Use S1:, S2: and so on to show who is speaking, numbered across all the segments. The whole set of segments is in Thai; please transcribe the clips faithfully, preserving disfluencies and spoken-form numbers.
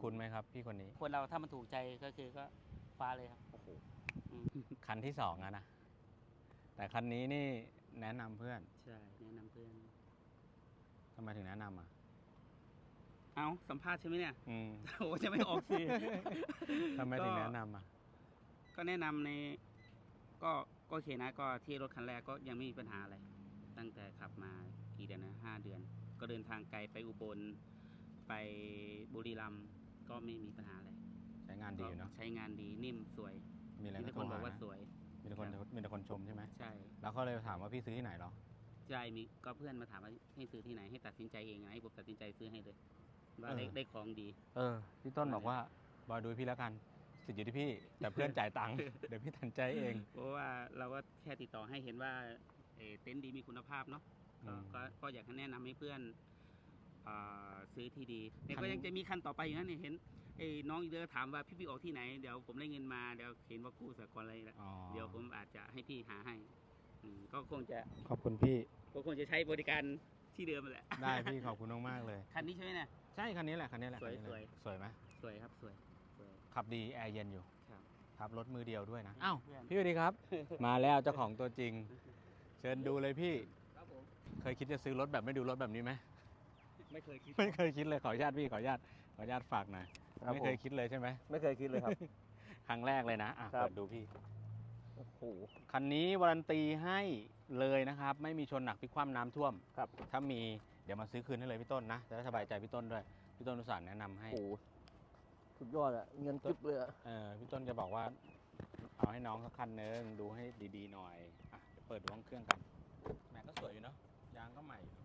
S1: คุ้นไหมครับพี่คนนี้
S2: คนเราถ้ามันถูกใจก็คือก็คว้าเลยครับโอ้โห
S1: คันที่สองอะนะแต่คันนี้นี่แนะนำเพื่อน
S2: ใช่แนะนำเพื่อน
S1: ทำไมถึงแนะนำอ่ะ
S2: เอาสัมภาษณ์ใช่ไหมเนี่ย
S1: อืม
S2: โอ้จะไม่ออกสิ
S1: ทำไมถึงแนะนำอ่ะ
S2: ก็แนะนำในก็ก็โอเคนะก็ที่รถคันแรกก็ยังไม่มีปัญหาอะไรตั้งแต่ขับมากี่เดือนนะห้าเดือน ก็เดินทางไกลไปอุบลไปบุรีรัมย์ก็ไม่มีปัญหาอะไร
S1: ใช้งานดีอยู่เนาะ
S2: ใช้งานดีนิ่มสวย
S1: มีอะไร
S2: มีแต่คนบอกว่าสวย
S1: มีแต่คนมีแต่คนชมใช่ไหม
S2: ใช่
S1: แล้วก็เลยถามว่าพี่ซื้อที่ไหนหรอ
S2: ใช่มีก็เพื่อนมาถามว่าให้ซื้อที่ไหนให้ตัดสินใจเองให้ผมตัดสินใจซื้อให้เลยว่าได้ได้ของดี
S1: เออพี่ต้นบอกว่าบอยดูพี่แล้วกันสิทธิ์อยู่ที่พี่แต่เพื่อนจ่ายตังค์เดี๋ยวพี่ตัดใจเอง
S2: เพราะว่าเราก็แค่ติดต่อให้เห็นว่าเต็นท์ดีมีคุณภาพเนาะก็ก็อยากให้แนะนำให้เพื่อนซื้อที่ดีแต่ก็ยังจะมีคันต่อไปอยู่นะเนี่ยเห็นไอ้น้องอีเดอร์ถามว่าพี่พี่ออกที่ไหนเดี๋ยวผมได้เงินมาเดี๋ยวเห็นว่ากู้สหกรณ์อะไรแล้วเดี๋ยวผมอาจจะให้พี่หาให้ก็คงจะ
S1: ขอบคุณพี่
S2: ก็คงจะใช้บริการที่เดิมแหละ
S1: ได้พี่ขอบคุณมากเลย
S2: คันนี้ใช่ไหมเนี่ย
S1: ใช่คันนี้แหละคันนี้แหละ
S2: สวยสวย
S1: สวยไหม
S2: สวยครับสวย
S1: ขับดีแอร์เย็นอยู่
S2: ครับ
S1: ขับรถมือเดียวด้วยนะอ้าวพี่สวัสดีครับ มาแล้วเจ้าของตัวจริงเชิญดูเลยพี่
S2: ครับผม
S1: เคยคิดจะซื้อรถแบบไม่ดูรถแบบนี้ไหม
S2: ไม่เคยคิด
S1: ไม่เคยคิดเลยขออนุญาตพี่ขออนุญาตขออนุญาตฝากหน่อยไม่เคยคิดเลยใช่ไหม
S3: ไม่เคยคิดเลยครับ
S1: ครั้งแรกเลยนะอ่ะเปิดดูพี่
S3: โอ้โห
S1: คันนี้วารันตีให้เลยนะครับไม่มีชนหนักพลิกคว่ำน้ำท่วม
S3: ครับ
S1: ถ้ามีเดี๋ยวมาซื้อคืนให้เลยพี่ต้นนะจะได้สบายใจพี่ต้นด้วยพี่ต้นอุตส่าห์แนะนำให้
S3: โอ้สุดยอดอะเงินกิ๊บเลยอะ
S1: เออพี่ต้นจะบอกว่าเอาให้น้องสักคันนึงดูให้ดีๆหน่อยอ่ะเดี๋ยวเปิดดูห้องเครื่องกันแม็กก็สวยอยู่เนาะยางก็ใหม่อยู่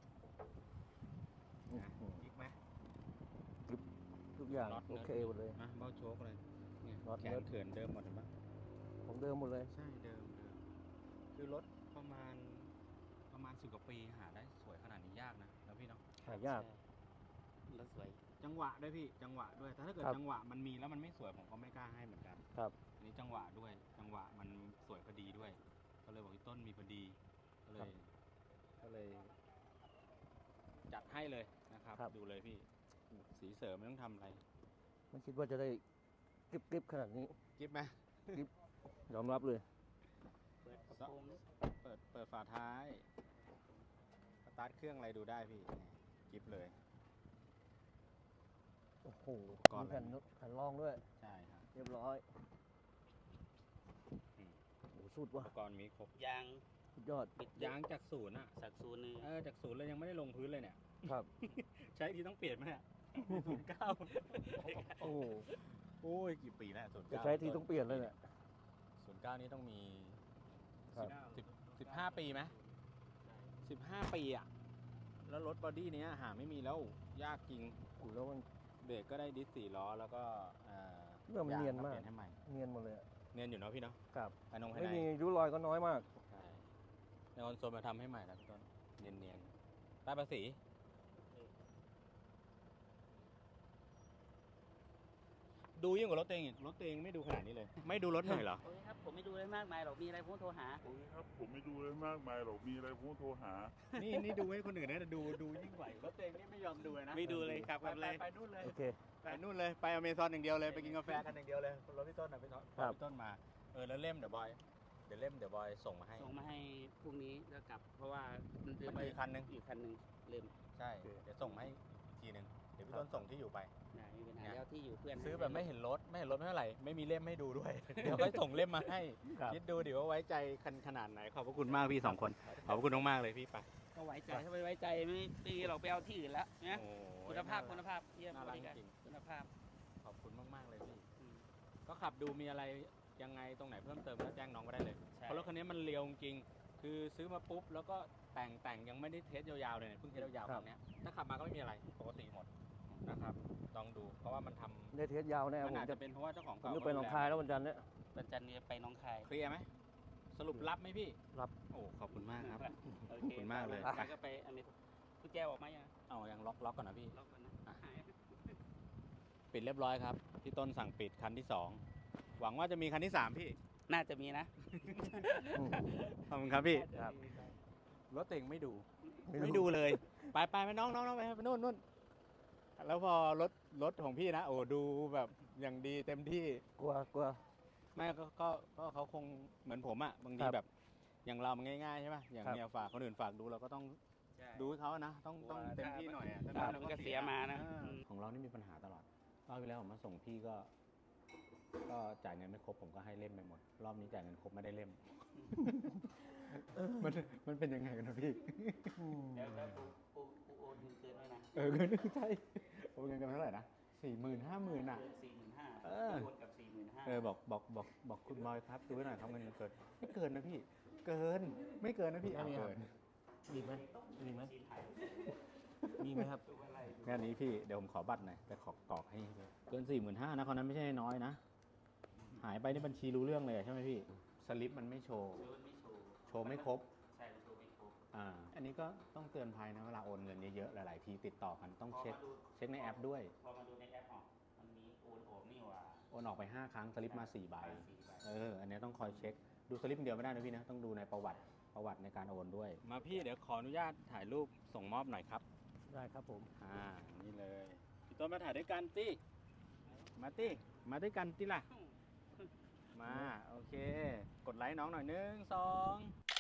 S1: นะกิ๊กไหม
S3: ทุกอย่างโอเคหมดเลย
S1: นะเบ้าโชคเลยเนี่ยแขนเขินเดิมหมดเลยปะ
S3: ของเดิมหมดเลย
S1: ใช่เดิมเดิมคือรถประมาณประมาณสิบกว่าปีหาได้สวยขนาดนี้ยากนะแล้วพี่เนาะ
S3: หายาก
S2: รถสวย
S1: จังหวะด้วยพี่จังหวะด้วยแต่ถ้าเกิดจังหวะมันมีแล้วมันไม่สวยผมก็ไม่กล้าให้เหมือนกัน
S3: ครับ
S1: อันนี้จังหวะด้วยจังหวะมันสวยพอดีด้วยก็เลยบอกพี่ต้นมีพอดีก็เลยก็เลย จัดให้เลยนะครับดูเลยพี่สีเสริมไม่ต้องทำอะไร
S3: ไม่คิดว่าจะได้กริบกริบขนาดนี้
S1: กริบไหม
S3: กริบยอมรับเลย
S2: เปิดกระโปรง
S1: เปิดเปิดฝาท้ายสตาร์ทเครื่องอะไรดูได้พี่กริบเลย
S3: โอ้โหมีแผ่นแผ่นรองด้วย
S1: ใช่ครับ
S3: เรียบร้อยโอ้สุดว่ะ
S1: อุปกรณ์มีครบ
S2: ยาง
S3: สุดยอด
S1: ยางจากศูนย์อ่ะ
S2: จากศูนย์เลย
S1: เออจากศูนย์เลยยังไม่ได้ลงพื้นเลยเนี่ย
S3: ครับ
S1: ใช้ที่ต้องเปลี่ยนไหมเนี่ยศูนย์เก้า
S3: โอ้
S1: โอ้ยกี่ปีแล้วศูนย์เก้า
S3: ใช้ที่ต้องเปลี่ยนเลยเนี่ย
S1: ศูนย์เก้านี้ต้องมีสิบสิบห้าปีไหมสิบห้าปีอ่ะแล้วรถบอดี้เนี้ยหาไม่มีแล้วยากจริง
S3: กูแล้วมัน
S1: เบรกก็ได้ดิสสี่ล้อแล้วก็
S3: เรื่องมันเนียนมาก
S1: เนี
S3: ยนหมดเลย
S1: เนียนอยู่เนาะพี่เนาะ
S3: ครับ
S1: ภายนงภายใน
S3: ไม่มีริ้วรอยก็น้อยมาก
S1: ใช่ในคอนโซลมาทำให้ใหม่แล้วพี่ต้นเนียนเนียนใต้ภาษีดูยิ่งกว่ารถเองรถเองไม่ดูขนาดนี้เลยไม่ดูรถหน่อยเหรอ
S2: โอ้ยครับผมไม่ดูเลยมากมายหรอกมีอะไรผมโทรหา
S4: โอ้ยครับผมไม่ดูเลยมากมายหรอกมีอะไรผมโทรหา
S1: นี่นี่ดูให้คนอื่นนะดูดูยิ่งกว่ารถเองนี่ไม่ยอมดูเลยนะ
S2: ไม่ดูเลยครับ
S1: ไปไปนู่นเลย
S3: โอเค
S1: ไปนู่นเลยไปอเมซอนอย่างเดียวเลยไปกินกาแฟกันอย่างเดียวเลยรถพี่ต้นนะพี่ต้นพี่ต้นมาเออแล้วเล่มเดี๋ยวบอยเดี๋ยวเล่มเดี๋ยวบอยส่งมาให้
S2: ส่งมาให้พรุ่งนี้แล้วกลับเพราะว่า
S1: มันมีคันนึง
S2: อีกคันนึงเล่ม
S1: ใช่เดี๋ยวส่งมาให้อีกทีนึงเดี๋ยวพี่ต้นส่งที่อยู่ไป
S2: มีปัญหาแล้วที่อยู่เพื่อน
S1: ซื้อแบบไม่เห็นรถไม่เห็นรถไม่เท่าไหร่ไม่มีเล่มให้ดูด้วยเดี๋ยวค่อยส่งเล่มมาให้คิดดูดิว่าไว้ใจคันขนาดไหนขอบพระคุณมากพี่สองคนขอบพระคุณมากๆเลยพี่ไป
S2: ก็ไว้ใจถ้าไม่ไว้ใจไม่ตีเราไปเอาที่อื่นแล้วนะคุณภาพคุณภาพเยี่ยมบริการคุณภาพ
S1: ขอบคุณมากๆเลยพี่ก็ขับดูมีอะไรยังไงตรงไหนเพิ่มเติมก็แจ้งน้องมาได้เลยเพราะรถคันนี้มันเรียวจริงคือซื้อมาปุ๊บแล้วก็แต่งแต่งยังไม่ได้เทสยาวๆเลยเพิ่งเทสยาวๆตรงนี้ถ้าขับมาก็ไม่มีอะไรปกติหมดนะครับลองดูเพราะว่ามันทำ
S3: ได้เทสยาวแน่
S1: มันอาจจะเป็นเพราะว่าเจ้าของเก่า
S3: จะไปหนองคายแล้ววันจันทร์เนี่ย
S2: วันจันทร์นี้ไปหนองคาย
S1: เคลียร์ไหมสรุปรับไหมพี่
S3: รับ
S1: โอ้ขอบคุณมากครับ
S2: ขอบ
S1: คุณมากเลย
S2: ไปก็ไปอันนี้กุญแจออกมายัง
S1: เอายังล็อกล็อกก่อนนะพี่
S2: ล็อกก่อนนะ
S1: ปิดเรียบร้อยครับพี่ต้นสั่งปิดคันที่สองหวังว่าจะมีคันที่สามพี่
S2: น่าจะมีนะ
S1: ขอบคุณครับพี่รถเต็งไม่ดูไม่ดูเลยไปไปไปน้องน้องน้องไปไปนู่นนู่นแล้วพอรถรถของพี่นะ โอ้ดูแบบอย่างดีเต็มที่
S3: กลัวกลัว
S1: ไม่ก็ก็ก็เขาคงเหมือนผมอะบางที
S3: ครับ
S1: แบบอย่างเรามันง่ายๆใช่ป่ะอย่าง
S3: ครับ
S1: เนี่ยฝากคนอื่นฝากดูเราก็ต้อง
S2: ใช่
S1: ดูให้เขานะต้องต้อง
S2: ว่า
S1: เต็มที่หน่อยอะ
S2: ครับ
S1: ถ้าไ
S2: มันก็เสียมานะ
S1: เออ
S2: อืม
S1: ของเรานี่มีปัญหาตลอดรอบที่แล้วผมมาส่งพี่ก็ ก็จ่ายเงินไม่ครบผมก็ให้เล่มไปหมด รอบนี้จ่ายเงินครบไม่ได้เล่ม มันมันเป็นยังไงกันนะพี่
S2: แล้วแล้วปูปูปูโอนเงินเกินไว้นะ
S1: เออเงินใช่โอนเงินกันเท่าไหร่นะสี่หมื่นห้าหมื่นอ่ะ
S2: เกินสี่หมื่นห้า
S1: เออ
S2: โอนกับสี่หมื่นห้า
S1: เออบอกบอกบอกบอกคุณบอยครับดูไว้หน่อยครับเงินเกินไม่เกินนะพี่ เกินไม่เกินนะพี่เอาเกิน
S3: มีไหมมีไหม
S2: จีนไทย
S3: มีไหมครับ
S2: ดูอะไร
S1: งานนี้พี่เดี๋ยวผมขอบัตรหน่อยไปขอกรอกให้ด้วยเกินสี่หมื่นห้านะคนนั้นไม่ใช่น้อยนะ หายไปในบัญชีรู้เรื่องเลยอะใช่ไหมพี่ สลิปมันไม่โชว์
S2: โดนไม่โชว์
S1: โชว์ไม่ครบ
S2: ใช่มันโชว์ไม่ครบ
S1: อ่า อันนี้ก็ต้องเตือนภัยนะเวลาโอนเงินเยอะๆหลายๆทีติดต่อกันต้อง
S2: พอ
S1: เช็ค
S2: มาดู
S1: เช็คในแอปด้วย
S2: พอมาดูในแอปออกมันมีโอนออกนี่หว่า
S1: โอนออกไปห้าครั้งสลิปมาสี่ใบ
S2: สี่ใบ
S1: เออ อันนี้ต้องคอยเช็ค ดูสลิปเดียวไม่ได้นะพี่นะ ต้องดูในประวัติประวัติในการโอนด้วย มาพี่เดี๋ยวขออนุญาตถ่ายรูปส่งมอบหน่อยครับ
S3: ได้ครับผม
S1: อ่า นี่เลย พี่ต้นมาถ่ายด้วยกันติมาติมาด้วยกันติล่ะ มา โอเค กดไลค์น้องหน่อยหนึ่งสอง